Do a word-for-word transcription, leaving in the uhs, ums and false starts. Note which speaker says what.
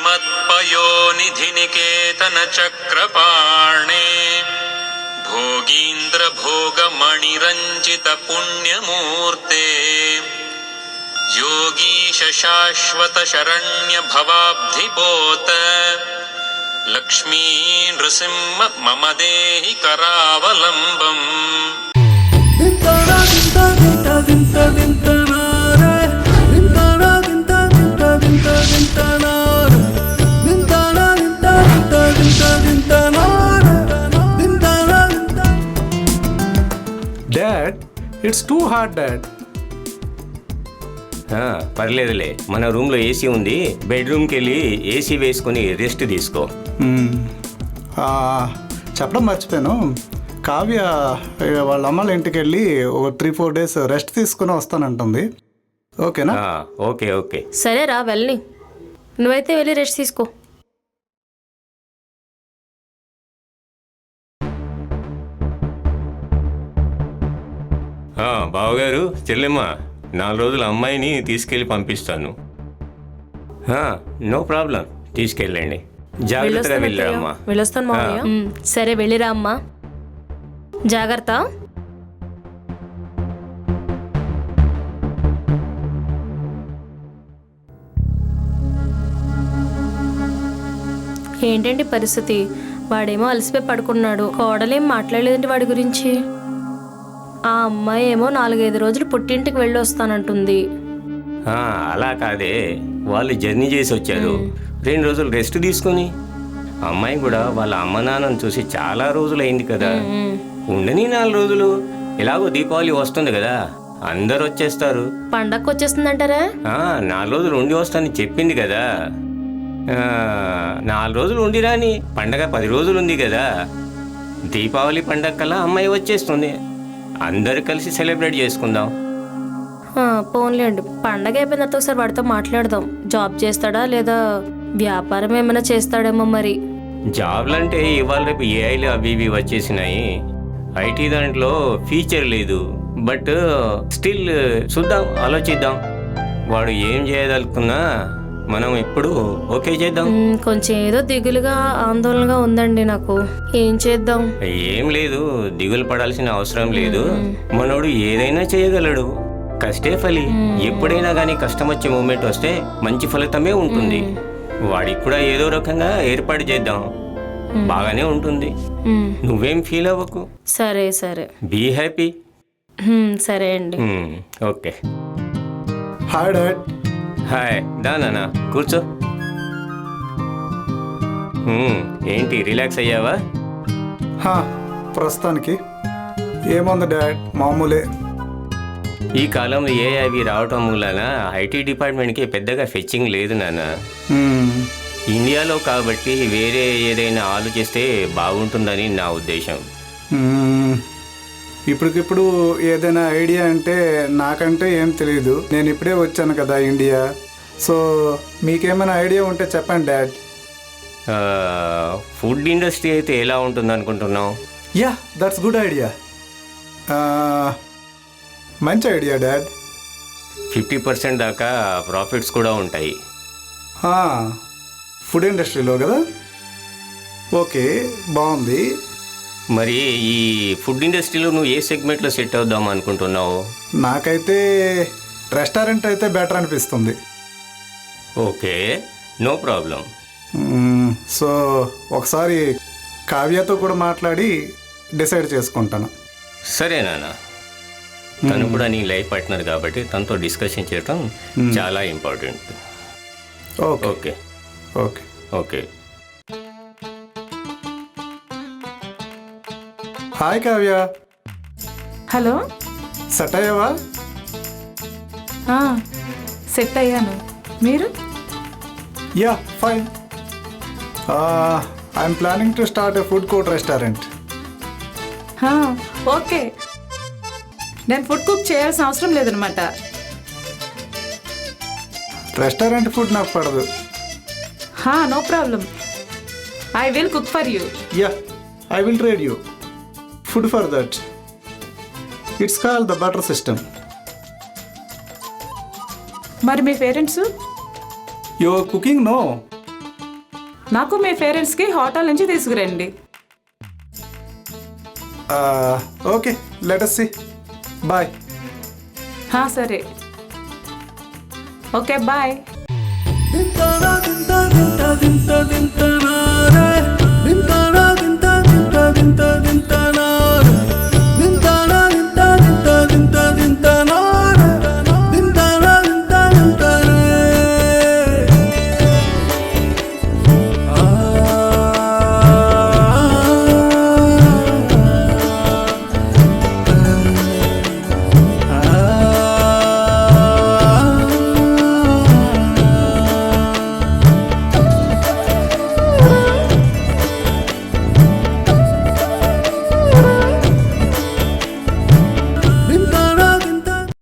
Speaker 1: श्रीमत्पयोनिधिनिकेतन चक्रपाणे भोगीन्द्र भोगमणिरञ्जित पुण्यमूर्ते योगीश शाश्वत शरण्य भवाब्धिपोत लक्ष्मी नृसिंह मम देहि करावलम्बम्।
Speaker 2: Dad, it's too hot dad.
Speaker 3: పర్లేదులే, మన రూమ్లో ఏసీ ఉంది, బెడ్రూమ్కి వెళ్ళి ఏసీ వేసుకొని రెస్ట్ తీసుకో.
Speaker 2: చెప్పడం మర్చిపోయాను, కావ్య వాళ్ళ అమ్మల ఇంటికి వెళ్ళి ఒక త్రీ ఫోర్ డేస్ రెస్ట్ తీసుకుని వస్తానంటుంది. ఓకేనా?
Speaker 3: ఓకే ఓకే
Speaker 4: సరే రా వెళ్ళి, నువ్వైతే వెళ్ళి రెస్ట్ తీసుకో.
Speaker 3: బావగారు, చెల్లెమ్మ, నాలుగు రోజులు అమ్మాయిని తీసుకెళ్ళి పంపిస్తాను. నో ప్రాబ్లం, తీసుకెళ్ళండి. జాగ్రత్తగా వెళ్ళారమ్మా.
Speaker 4: వెళ్ళొస్తాను మామయ్య. సరే వెళ్ళిరా అమ్మా, జాగ్రత్త. ఏంటండి పరిస్థితి? వాడేమో అలసిపోయి పడుకున్నాడు, కోడలేం మాట్లాడలేదండి వాడి గురించి. ఆ అమ్మాయి ఏమో నాలుగైదు రోజులు పుట్టింటికి వెళ్ళి వస్తానంటుంది.
Speaker 3: అలా కాదే, వాళ్ళు జర్నీ చేసి వచ్చారు, రెండు రోజులు రెస్ట్ తీసుకుని. అమ్మాయి కూడా వాళ్ళ అమ్మ నాన్నని చూసి చాలా రోజులు అయింది కదా, ఉండని నాలుగు రోజులు. ఎలాగో దీపావళి వస్తుంది కదా, అందరు వచ్చేస్తారు.
Speaker 4: పండగకు వచ్చేస్తుందంటారా?
Speaker 3: నాలుగు రోజులు ఉండి వస్తానని చెప్పింది కదా. నాలుగు రోజులు ఉండి రాని, పండగ పది రోజులు ఉంది కదా. దీపావళి పండగ కల్లా అమ్మాయి వచ్చేస్తుంది, అందరు కలిసి సెలబ్రేట్ చేసుకుందాం.
Speaker 4: పోన్లేండి, పండగ అయిపోయిన తర్వాత ఒకసారి వాడితో మాట్లాడదాం. జాబ్ చేస్తాడా లేదా వ్యాపారం ఏమైనా చేస్తాడేమో మరి.
Speaker 3: జాబ్లు అంటే ఇవాళ రేపు ఏఐలు అవి ఇవి వచ్చేసినాయి, ఐటీ దాంట్లో ఫీచర్ లేదు. బట్ స్టిల్ చూద్దాం, ఆలోచిద్దాం. వాడు ఏం చేయదలుకున్నా మనం ఇప్పుడు ఓకే చేద్దాం.
Speaker 4: కొంచెం ఏదో దిగులుగా ఆందోళనగా ఉందండి నాకు, ఏం చేద్దాం?
Speaker 3: ఏం లేదు, దిగులు పడాల్సిన అవసరం లేదు. మనోడు ఏదైనా చేయగలడు, కష్టే ఫలి. ఎప్పుడైనా కానీ కష్టం వచ్చే మూమెంట్ వస్తే మంచి ఫలితమే ఉంటుంది. వాడికి కూడా ఏదో రకంగా ఏర్పాటు చేద్దాం, బాగానే ఉంటుంది. నువ్వేం ఫీల్ అవ్వకు.
Speaker 4: సరే సరే,
Speaker 3: బీ హ్యాపీ.
Speaker 4: సరే అండి.
Speaker 3: ఓకే.
Speaker 2: Hi dad.
Speaker 3: హాయ్, దా నాన్న కూర్చో. ఏంటి, రిలాక్స్ అయ్యావా?
Speaker 2: ప్రస్తుతానికి ఏముంది డాడ్, మామూలే.
Speaker 3: ఈ కాలంలో ఏ అవి రావటం మూలన ఐటీ డిపార్ట్మెంట్కి పెద్దగా ఫెచ్చింగ్ లేదు నాన్న. ఇండియాలో కాబట్టి వేరే ఏదైనా ఆలోచిస్తే బాగుంటుందని నా ఉద్దేశం.
Speaker 2: ఇప్పటికిప్పుడు ఏదైనా ఐడియా అంటే నాకంటే ఏం తెలియదు, నేను ఇప్పుడే వచ్చాను కదా ఇండియా. సో మీకేమైనా ఐడియా ఉంటే చెప్పండి డాడ్.
Speaker 3: ఫుడ్ ఇండస్ట్రీ అయితే ఎలా ఉంటుంది అనుకుంటున్నావు?
Speaker 2: Yeah, that's good idea. మంచి ఐడియా డాడ్.
Speaker 3: ఫిఫ్టీ పర్సెంట్ దాకా ప్రాఫిట్స్ కూడా ఉంటాయి.
Speaker 2: ఫుడ్ ఇండస్ట్రీలో కదా? ఓకే, బాగుంది.
Speaker 3: మరి ఈ ఫుడ్ ఇండస్ట్రీలో నువ్వు ఏ సెగ్మెంట్లో సెట్ అవుదాం అనుకుంటున్నావు?
Speaker 2: నాకైతే రెస్టారెంట్ అయితే బెటర్ అనిపిస్తుంది.
Speaker 3: Okay, no problem.
Speaker 2: సో ఒకసారి కావ్యతో కూడా మాట్లాడి డిసైడ్ చేసుకుంటాను.
Speaker 3: సరే నాన్న, తను కూడా నీ లైఫ్ పార్ట్నర్ కాబట్టి తనతో డిస్కషన్ చేయడం చాలా important.
Speaker 2: Okay
Speaker 3: okay
Speaker 2: okay
Speaker 3: okay.
Speaker 2: Hi Kavya.
Speaker 5: Hello,
Speaker 2: set అయ్యావా?
Speaker 5: సెట్ అయ్యాను, మీరు?
Speaker 2: Yeah, fine. I'm planning to start a food court restaurant.
Speaker 5: Okay, నేను ఫుడ్ కుక్ చేయాల్సిన అవసరం లేదనమాట.
Speaker 2: రెస్టారెంట్ ఫుడ్ నాకు పడదు.
Speaker 5: No problem, I will cook for you.
Speaker 2: Yeah, I will trade you food for that. It's called the butter system.
Speaker 5: మరి మీ parents?
Speaker 2: Your cooking no.
Speaker 5: నాకు మీ పేరెంట్స్కి హోటల్ నుంచి తీసుకురండి.
Speaker 2: Okay let us see. Bye.
Speaker 5: హా, సరే. Okay bye.
Speaker 6: దింతనా దింత దింత దింత దింతనా రే